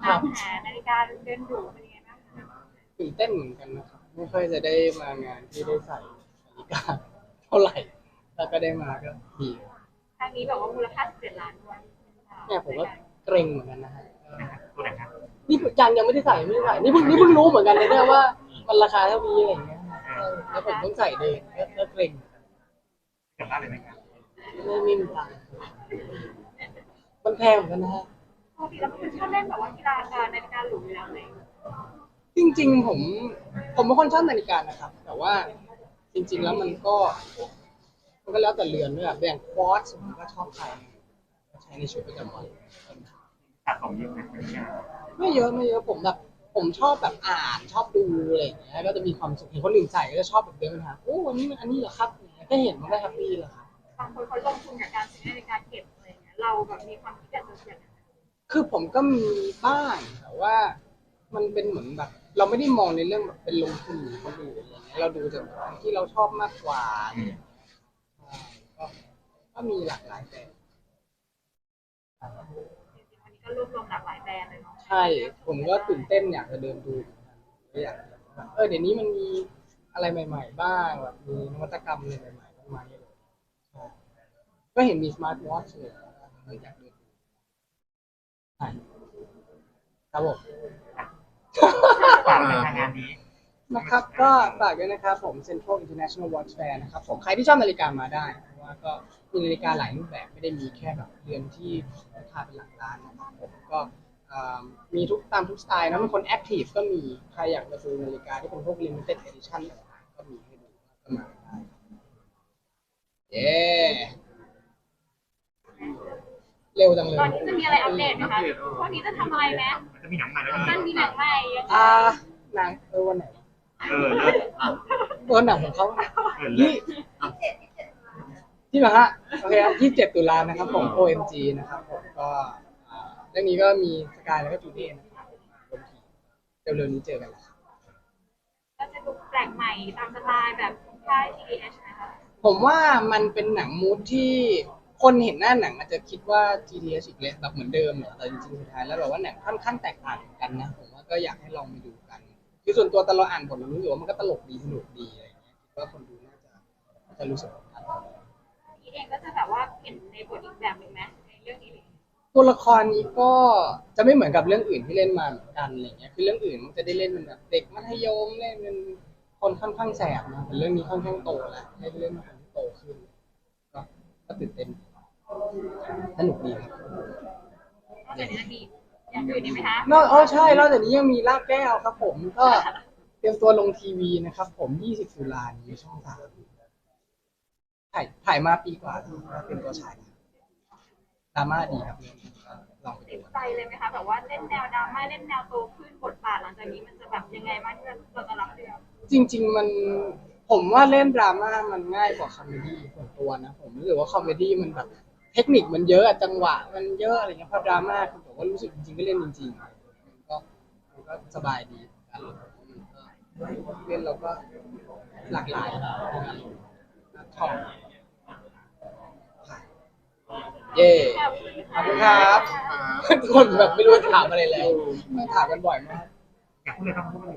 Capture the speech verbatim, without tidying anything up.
ตามหานาฬิกาเดินดูเป็นยังไงบ้างคะตื่นเต้นเหมือนกันนะครับไม่ค่อยจะได้มางานที่ได้ใส่นาฬิกาเท่าไหร่แล้วก็ได้มาก็ดีครั้งนี้แบบว่ามูลค่าสิบเจ็ดล้านด้วยเนี่ยผมก็เกรงเหมือนกันนะฮะตัวไหนครับนี่ยังยังไม่ได้ใส่ไม่ได้ใส่นี่เพิ่งนี่เพิ่งรู้เหมือนกันเลยเนี่ยว่ามันราคาเท่านี้อะไรอย่างเงี้ยเออแล้วผมต้องใส่เดินก็ก็เกรงเกิดบ้านเลยไหมครับไม่ไม่มีตังค์มันแพงเหมือนกันนะฮะปกติเราเป็นคนชอบเล่นแบบว่ากีฬาการนาฬิกาหรูอยู่แล้วเลยจริงๆผมผมเป็นคนชอบนาฬิกานะครับแต่ว่าจริงๆแล้วมันก็มันก็แล้วแต่เรือนด้วยแบบอย่างควอตซ์ผมก็ชอบใช้ใช้ในชีวิตประจำวันสะสมเยอะไหมเนี่ยไม่เยอะไม่เยอะผมแบบผมชอบแบบอ่านชอบดูอะไรอย่างเงี้ยก็จะมีความสุขเห็นคนอื่นใส่ก็จะชอบแบบเดินไปหาโอ้วันนี้มันอันนี้เหรอครับแค่เห็นมันก็แฮปปี้แล้วครับบางคนเขาลงทุนกับการซื้อนาฬิกาเก็บอะไรเงี้ยเราแบบมีความคิดอยากจะอย่างนั้นคือผมก็มีบ้างแต่ว่ามันเป็นเหมือนแบบเราไม่ได้มองในเรื่องแบบเป็นลงทุนหรือคนอื่นอะไรเงี้ยเราดูจากที่เราชอบมากกว่าก็ก็มีหลากหลายแบบจริงๆวันนี้ก็รวบรวมหลากหลายแบรนด์เลยเนาะใช่ผมก็ตื่นเต้นอยากจะเดินดูก็อยากเออเดี๋ยวนี้มันมีอะไรใหม่ๆบ้างแบบมีนวัตกรรมอะไรใหม่ๆบ้างไหมเลยใช่ก็เห็นมีสมาร์ทวอทช์เลยเลยอยากเดินดูใช่ครับผมฝากในทางงานนี้นะครับก็ฝากด้วยนะครับผม Central International Watch Fair นะครับผมใครที่ชอบนาฬิกามาได้เพราะว่าก็มีนาฬิกาหลายรูปแบบไม่ได้มีแค่แบบเรือนที่ราคาเป็นหลักล้านนะครับผมก็มีทุกตามทุกสไตล์นะบางคนแอคทีฟก็มีใครอยากจะดูนาฬิกาที่เป็นพวก limited edition ต่างๆก็มีให้ดูก็มาได้เย้เร็วจังเลยตอนนี้จะมีอะไรอัปเดตไหมคะวันนี้จะทำอะไรไหมจะมีหนังใหม่แล้วมันมีหนังใหม่ยังไงอ่าหนังเออวันไหนเออเลิศเออหนังของเขาเออเลิยี่ศที่มาฮะโอเคครับยี่สิบเจ็ดตุลานะครับผม โอ เอ็ม จี นะครับผมก็เรื่องนี้ก็มีสกายแล้วก็จูเน่นะครับรวมทีเร็วๆนี้เจอกันแล้วครับก็จะดูแปลกใหม่ตามสไตล์แบบค่าย ที ดี เอช นะคะผมว่ามันเป็นหนังมูดที่คนเห็นหน้าหนังอาจจะคิดว่า จี ที เอช อีกเลยแบบเหมือนเดิมเหรอแต่จริงๆสุดท้ายแล้วแบบว่าหนังค่อนข้างแตกต่างกันนะผมว่าก็อยากให้ลองไปดูกันคือส่วนตัวตอนเราอ่านบทเรารู้สึกว่ามันก็ตลกดีสนุกดีอะไรอย่างเงี้ยคิดว่าคนดูน่าจะจะรู้สึกแบบนั้นพี่เองก็จะแบบว่าเห็นในบทอีกแบบหนึ่งไหมในเรื่องนี้เลยตัวละครนี้ก็จะไม่เหมือนกับเรื่องอื่นที่เล่นมาเหมือนกันอะไรเงี้ยคือเรื่องอื่นมันจะได้เล่นเป็นแบบเด็กมัธยมเล่นเป็นคนค่อนข้างแสบนะแต่เรื่องนี้ค่อนข้างโตแล้วให้เล่นเป็นคนที่โตขึ้นก็ก็ตื่นเต้นสนุกดีครับนอกจากนี้มีอย่างอื่นอีกไหมคะนอกอ๋อใช่นอกจากนี้ยังมีลากแก้วครับผมก็เตรียมตัวลงทีวีนะครับผมยี่สิบตุลานี้ช่องสามถ่ายถ่ายมาปีกว่าเป็นตัวฉายดราม่าดีครับลองไปติดูดใจเลยไหมคะแบบว่าเล่นแนวดราม่าเล่นแนวโตขึ้นบทบาทหลังจากนี้มันจะแบบยังไงบ้างที่เราจะรับเรื่องจริงๆมันผมว่าเล่นดราม่ามันง่ายกว่าคอมเมดี้ส่วนตัวนะผมรู้สึกว่าคอมเมดี้มันแบบเทคนิคมันเยอะจังหวะมันเยอะอะไรเงี้ยพอดราม่าคือผมว่ารู้สึกจริงๆก็เล่นจริงๆมันก็มันก็สบายดีการเล่นเราก็หลากหลายชอบเย่ขอบคุณครับทุกคนแบบไม่รู้จะถามอะไรแล้วถามกันบ่อยมากอยากพูดอะไรต้องพูด